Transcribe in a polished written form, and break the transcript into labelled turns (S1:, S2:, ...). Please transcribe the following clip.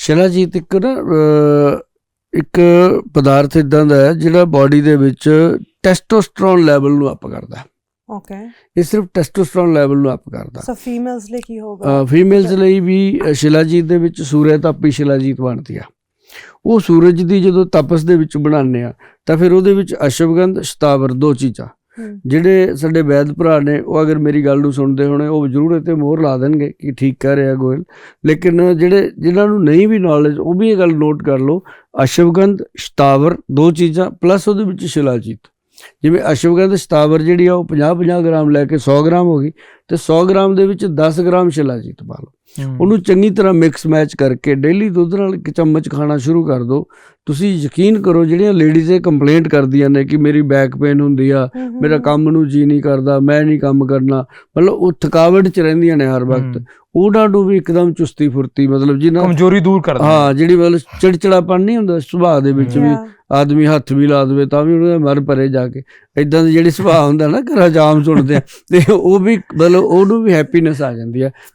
S1: ਸ਼ਿਲਾਜੀਤ ਇੱਕ ਪਦਾਰਥ ਇੱਦਾਂ ਦਾ ਹੈ ਜਿਹੜਾ ਬਾਡੀ ਦੇ ਵਿੱਚ ਟੈਸਟੋਸਟਰੋਨ ਲੈਵਲ ਨੂੰ ਅਪ ਕਰਦਾ।
S2: ਓਕੇ,
S1: ਇਹ ਸਿਰਫ ਟੈਸਟੋਸਟਰੋਨ ਲੈਵਲ ਨੂੰ ਅਪ ਕਰਦਾ।
S2: ਸੋ ਫੀਮੇਲਸ ਲਈ ਕੀ ਹੋਗਾ?
S1: ਫੀਮੇਲਸ ਲਈ ਵੀ ਸ਼ਿਲਾਜੀਤ ਦੇ ਵਿੱਚ ਸੂਰਜ ਤਾਪੀ ਸ਼ਿਲਾਜੀਤ ਬਣਦੀ ਆ। ਉਹ ਸੂਰਜ ਦੀ ਜਦੋਂ ਤਪਸ ਦੇ ਵਿੱਚ ਬਣਾਉਂਦੇ ਆ ਤਾਂ ਫਿਰ ਉਹਦੇ ਵਿੱਚ ਅਸ਼ਵਗੰਧ, ਸ਼ਤਾਵਰ, 2 ਚੀਜ਼ਾਂ। ਜਿਹੜੇ ਸਾਡੇ ਵੈਦ ਭਰਾ ਨੇ ਉਹ ਅਗਰ ਮੇਰੀ ਗੱਲ ਨੂੰ ਸੁਣਦੇ ਹੋਣੇ ਉਹ ਜ਼ਰੂਰ ਇਹ 'ਤੇ ਮੋਹਰ ਲਾ ਦੇਣਗੇ ਕਿ ਠੀਕ ਕਹਿ ਰਿਹਾ ਗੋਇਲ। ਲੇਕਿਨ ਜਿਨ੍ਹਾਂ ਨੂੰ ਨਹੀਂ ਵੀ ਨੌਲੇਜ ਉਹ ਵੀ ਇਹ ਗੱਲ ਨੋਟ ਕਰ ਲਓ, ਅਸ਼ਵਗੰਧ, ਸ਼ਤਾਵਰ 2 ਚੀਜ਼ਾਂ ਪਲੱਸ ਉਹਦੇ ਵਿੱਚ ਸ਼ਿਲਾਜੀਤ। ਜਿਵੇਂ ਅਸ਼ਵਗੰਧ, ਸ਼ਤਾਵਰ ਜਿਹੜੀ ਆ ਉਹ 50-50 ਗ੍ਰਾਮ ਲੈ ਕੇ 100 ਗ੍ਰਾਮ ਹੋ ਗਈ ਅਤੇ 100 ਗ੍ਰਾਮ ਦੇ ਵਿੱਚ 10 ਗ੍ਰਾਮ ਸ਼ਿਲਾਜੀਤ ਪਾ ਲਓ। ਉਹਨੂੰ ਚੰਗੀ ਤਰ੍ਹਾਂ ਮਿਕਸ ਮੈਚ ਕਰਕੇ ਡੇਲੀ ਦੁੱਧ ਨਾਲ 1 ਚਮਚ ਖਾਣਾ ਸ਼ੁਰੂ ਕਰ ਦਿਓ। ਤੁਸੀਂ ਯਕੀਨ ਕਰੋ, ਜਿਹੜੀਆਂ ਲੇਡੀਜ਼ ਇਹ ਕੰਪਲੇਂਟ ਕਰਦੀਆਂ ਨੇ ਕਿ ਮੇਰੀ ਬੈਕ ਪੇਨ ਹੁੰਦੀ ਆ, ਮੇਰਾ ਕੰਮ ਨੂੰ ਜੀ ਨਹੀਂ ਕਰਦਾ, ਮੈਂ ਨਹੀਂ ਕੰਮ ਕਰਨਾ, ਮਤਲਬ ਉਹ ਥਕਾਵਟ 'ਚ ਰਹਿੰਦੀਆਂ ਨੇ ਹਰ ਵਕਤ, ਉਹਨਾਂ ਨੂੰ ਵੀ ਇੱਕਦਮ ਚੁਸਤੀ ਫੁਰਤੀ, ਮਤਲਬ ਜਿਹਨਾਂ
S3: ਕਮਜ਼ੋਰੀ ਦੂਰ ਕਰਦਾ।
S1: ਹਾਂ, ਜਿਹੜੀ ਮਤਲਬ ਚਿੜਚਿੜਾਪਨ ਨਹੀਂ ਹੁੰਦਾ ਸੁਭਾਅ ਦੇ ਵਿੱਚ ਵੀ, ਆਦਮੀ ਹੱਥ ਵੀ ਲਾ ਦੇਵੇ ਤਾਂ ਵੀ ਉਹਨਾਂ ਦੇ ਮਰ ਪਰੇ ਜਾ ਕੇ ਇੱਦਾਂ ਦੀ ਜਿਹੜੀ ਸੁਭਾਅ ਹੁੰਦਾ ਨਾ ਘਰਾਂ 'ਚ ਆਮ ਸੁਣਦੇ ਆ, ਅਤੇ ਉਹ ਵੀ ਮਤਲਬ ਉਹਨੂੰ ਵੀ ਹੈਪੀਨੈਸ ਆ ਜਾਂਦੀ ਹੈ।